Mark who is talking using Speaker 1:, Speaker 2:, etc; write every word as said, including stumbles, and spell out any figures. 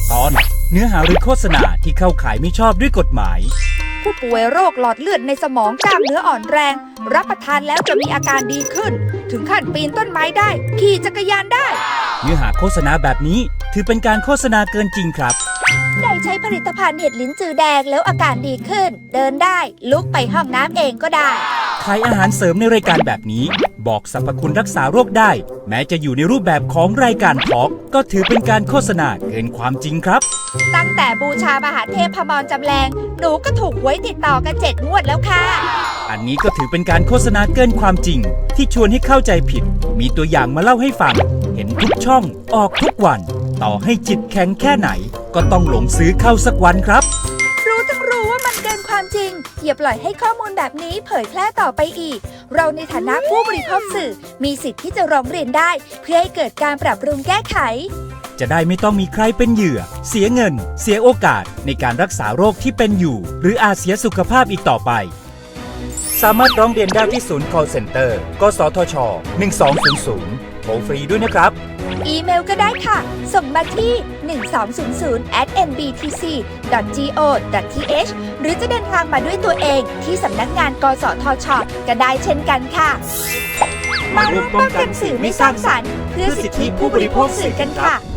Speaker 1: ตอนเนื้อหาหรือโฆษณาที่เข้าข่ายไม่ชอบด้วยกฎหมาย
Speaker 2: ผู้ป่วยโรคหลอดเลือดในสมองกล้ามเนื้ออ่อนแรงรับประทานแล้วจะมีอาการดีขึ้นถึงขั้นปีนต้นไม้ได้ขี่จักรยานได้
Speaker 1: เนื้อหาโฆษณาแบบนี้ถือเป็นการโฆษณาเกินจริงครับ
Speaker 2: ได้ใช้ผลิตภัณฑ์เห็ดลิ้นจือแดงแล้วอาการดีขึ้นเดินได้ลุกไปห้องน้ำเองก็ได้
Speaker 1: ขายอาหารเสริมในรายการแบบนี้บอกสรรพคุณรักษาโรคได้แม้จะอยู่ในรูปแบบของรายการทอล์กก็ถือเป็นการโฆษณาเกินความจริงครับ
Speaker 2: ตั้งแต่บูชามหาเทพพมรจำแรงหนูก็ถูกหวยติดต่อกันเจ็ดงวดแล้วค่ะ
Speaker 1: อันนี้ก็ถือเป็นการโฆษณาเกินความจริงที่ชวนให้เข้าใจผิดมีตัวอย่างมาเล่าให้ฟังเห็นทุกช่องออกทุกวันต่อให้จิตแข็งแค่ไหนก็ต้องหลงซื้อเข้าสักวันครับ
Speaker 2: รู้ทั้งรู้ว่ามันเกินความจริงอย่าปล่อยให้ข้อมูลแบบนี้เผยแพร่ต่อไปอีกเราในฐานะผู้บริโภคสื่อมีสิทธิ์ที่จะร้องเรียนได้เพื่อให้เกิดการปรับปรุงแก้ไข
Speaker 1: จะได้ไม่ต้องมีใครเป็นเหยื่อเสียเงินเสียโอกาสในการรักษาโรคที่เป็นอยู่หรืออาจเสียสุขภาพอีกต่อไปสามารถร้องเรียนได้ที่ศูนย์ call center กสทช หนึ่งสองศูนย์ศูนย์โทรฟรีด้วยนะครับ
Speaker 2: อีเมลก็ได้ค่ะส่งมาที่ หนึ่งสองศูนย์ศูนย์ แอท เอ็น บี ที ซี ดอท จี โอ ดอท ที เอช หรือจะเดินทางมาด้วยตัวเองที่สำนักงานกสทชก็ได้เช่นกันค่ะมาร่วมป้องกันสื่อไม่สร้างสรรค์เพื่อสิทธิผู้บริโภคสื่อกันค่ะ